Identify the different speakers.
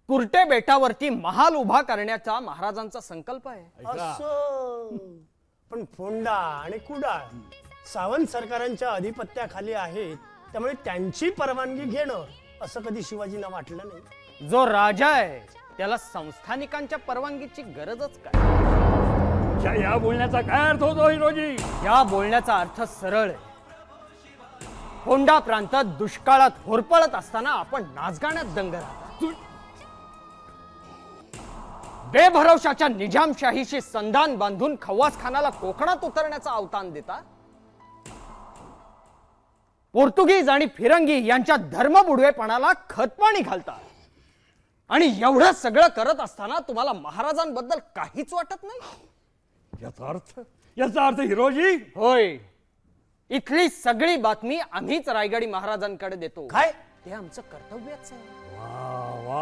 Speaker 1: कुर्टे बेटावरती महाल उभा करण्याचा महाराजांचा संकल्प आहे।
Speaker 2: असं पण फोंडा आणि कुडाळ सावंत सरकारांच्या अधिपत्याखाली आहेत, त्यामुळे त्यांची परवानगी घेणं असं कधी शिवाजींना वाटलं नाही।
Speaker 1: जो राजा आहे त्याला संस्थानिकांच्या परवानगीची गरजच काय?
Speaker 3: या बोलण्याचा काय अर्थ होतो हिरोजी?
Speaker 1: या बोलण्याचा अर्थ सरळ आहे। फोंडा प्रांतात दुष्काळात होरपळत असताना आपण नाचगाण्यात दंग राहता। बेभरवशाच्या निजामशाहीशी संधान बांधून खवास खानाला कोकणात उतरण्याचा अवतान देता। पोर्तुगीज आणि फिरंगी यांच्या धर्मबुडवेपणाला खतपाणी घालता आणि एवढं सगळं करत असताना तुम्हाला महाराजांबद्दल काहीच वाटत नाही?
Speaker 3: याचा अर्थ हिरोजी?
Speaker 1: होय, इथली सगळी बातमी आम्हीच रायगडी महाराजांकडे देतो।
Speaker 2: काय?
Speaker 1: ते आमचं कर्तव्यच आहे।
Speaker 3: वा वा